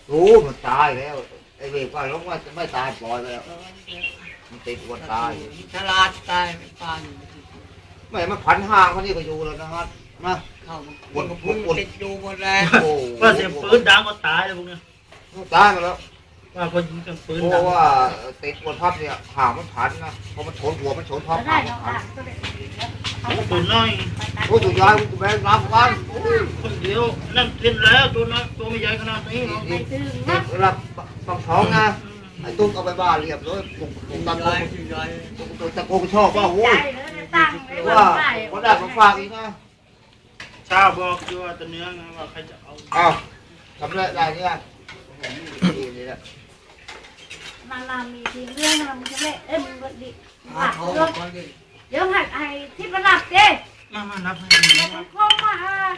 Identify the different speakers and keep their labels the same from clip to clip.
Speaker 1: รู้มันตายแล้วไอ้เวรว่าร้องว่าจะไม่ตายปล่อยไปแล้วมันติดวันตาย
Speaker 2: ฉลาดตายไม่ปาน
Speaker 1: ไม่มันพันห่างมันนี่ก็อยู่แล้วนะครับนะ
Speaker 2: เข้าวนพุ่งติดอยู่หมดแล้ว
Speaker 3: ว่าเสียงปืนดังก็ตายเลยพวกนี้
Speaker 1: ตายมาแล้ว
Speaker 3: ว่าคนยิงกันปืน
Speaker 1: เพราะว่าติดบนพับเนี่ยห่างมันพันนะพอมันชนหัวมันชนพับห่างมันพัน
Speaker 3: ตัวน้อย
Speaker 1: โอ้ตัวยายตัวแม่น้ำกัน
Speaker 3: คนเดียวนั่นเล่นแล้วตัวน้อยตัวไม่ใหญ่ขนาดนี้หรอก
Speaker 1: รับฟังท้องนะไอ้ตุ้งเอาไปบ้านเรียบเลยตุ้งตะโกนตุ้งตะโกนชอบว่าโอ้ยว่าคนได้มาฝากอีกนะ
Speaker 3: ชาบอกอยู่ว่าตัวเนื้อว่าใครจะเอา
Speaker 1: อ้าวทำอะไรได้เนี่ยนี่แหละ
Speaker 4: มาลามีทีเรื่องมันจะเละมึงก็ดิหักเรื่องเดี๋ยวหักไอ้ที่ประหลัดเจ้
Speaker 3: มานับให้
Speaker 4: มันคล้องมา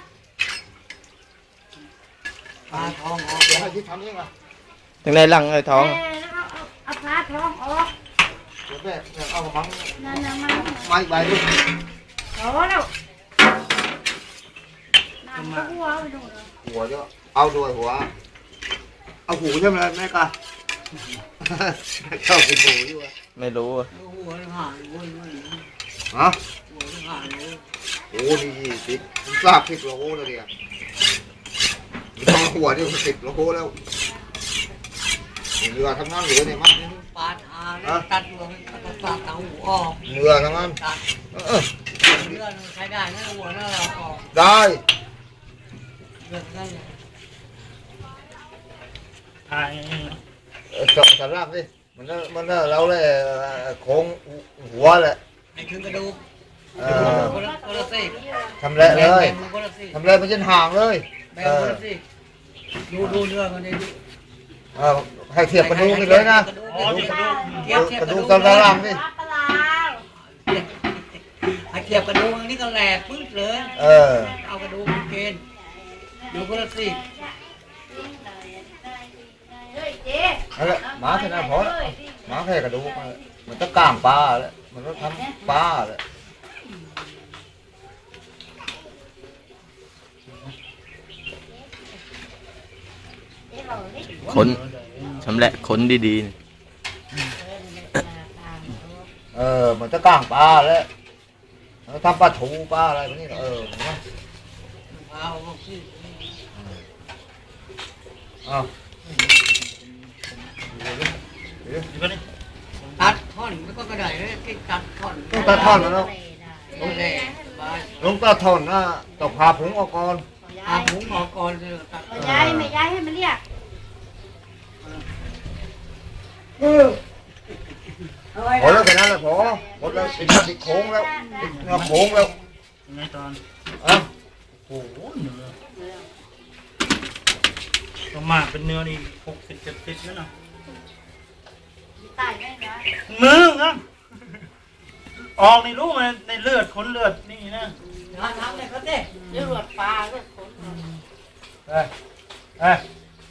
Speaker 2: ปลาทองออก
Speaker 1: เดี๋ยวให้ที่ทำยังไง
Speaker 5: ถึงในหลังไอ้ท้อง
Speaker 4: เอาปลาทองออก
Speaker 1: เดี๋ยวแม่เอามัง
Speaker 4: นั่นมัน
Speaker 1: ไม้ใบด้วย
Speaker 4: โอ้แล้วน้ำก็หัวไปดูเลย
Speaker 1: หัวเยอะเอาด้วยหัวเอาหูใช่ไหมแม่กะชอบกินหูอยู่
Speaker 5: ไม่รู้
Speaker 2: หัวหายหัว
Speaker 1: ฮะ
Speaker 2: หัวหาย
Speaker 1: โอ้นี่10ทราบ10 โลแล้วเนี่ยหัวนี่10 โลแล้วเรือทั้งนั้นเหลือเนี่ยมั้ง
Speaker 2: ปาดหาตัดหัวตัดปากหัวออก
Speaker 1: เรือทั้งนั้น
Speaker 2: เรือใช้ได้นะหัวน่าเราออก
Speaker 1: ได้
Speaker 2: เรือได้
Speaker 3: ทาย
Speaker 1: สำรับดิมันเราเลยโค้งหัวเลย
Speaker 2: ไอ้ถึงกระดูกคนละสิ
Speaker 1: ทำเลยทำเลยมันจะห่างเลย
Speaker 2: ดูเนื้อมันดิ
Speaker 1: ให้เทียบกระดูกนี่เลยนะกระดูกตอนล่างดิ
Speaker 2: ให้เทียบกระดูกนี่ก็แหลกปึ๊ดเลยเอากระดูกเกณฑ์ดูคนละสิ
Speaker 1: อะไรหมาแค่นั้นพอแล้วหมาแค่กระดูกมันต้องก้างปลาเลยมันต้องทำปลาเลย
Speaker 5: คนชำแหละคนดี
Speaker 1: ๆมันจะก้างปลาแล้วทำปลาถูปลาอะไรแบบนี้นะ
Speaker 2: ตัดท่อนแล้วก็กระไดเลยตัดท่อน
Speaker 1: ต้องตัดท่อนแล้วลงตัดท่อนนะต้องพาผงออกก่อน
Speaker 2: พาผงออกก่อนเลยตัด
Speaker 4: ย้ายไม่ย้ายให้มันเรียก
Speaker 1: พอแล้วแค่นั้นแหละพอหมดแล้วติดโค้งแล้วติดเนื้อโค้งแล้ว
Speaker 3: ในตอนโอ้โหเนื้อประมาณเป็นเนื้อนี่60-70แล้วนะ
Speaker 4: ตายได้นะ
Speaker 3: มือครับออกในรู้มันในเลือดขนเลือดนี่นะ
Speaker 2: ทำเลยเขาเต้
Speaker 4: เลือดปลาเลือดขน
Speaker 3: เฮ้ย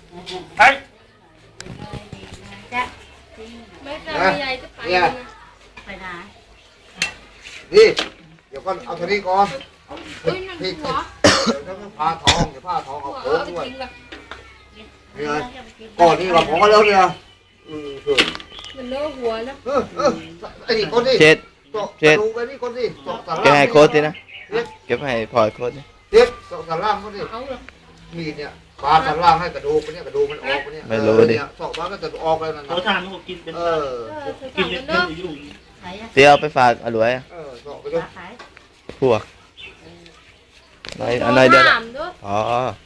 Speaker 4: จะ
Speaker 6: ไม่กล้าใหญ่จะไปนะ
Speaker 4: ไปไหน
Speaker 1: นี่เดี๋ยวก่อนเอาทีนี้ก่อนพี่เดี๋ยวผ้าทองเดี๋ยวผ้าทองเอาโค้งด้วยนี่ไงก่อนนี่เราพอแล้วเนี่ย
Speaker 6: มันเนื้อหัวนะ
Speaker 1: ไอ้นี่คนนี่ดูไปนี่คนนี่
Speaker 5: เก็บให้โค้ดสินะเก็บให้พลอยโค้ดนี่
Speaker 1: เด็กสันล่างคนนี่มีเนี่ยปลาสันล่างให้กระดูกเนี่ยกระดูกมันออกเนี่ย
Speaker 5: ไม่รู้ดิ
Speaker 1: สอกมาก็จะออกเลยนะ
Speaker 3: เขาทานเขากินเป็นกินเป็นอยู่
Speaker 5: เตี้ยเอาไปฝากอร่อย
Speaker 1: สอกไปด้วย
Speaker 5: พวกอะไรเดี๋ยวอ๋อ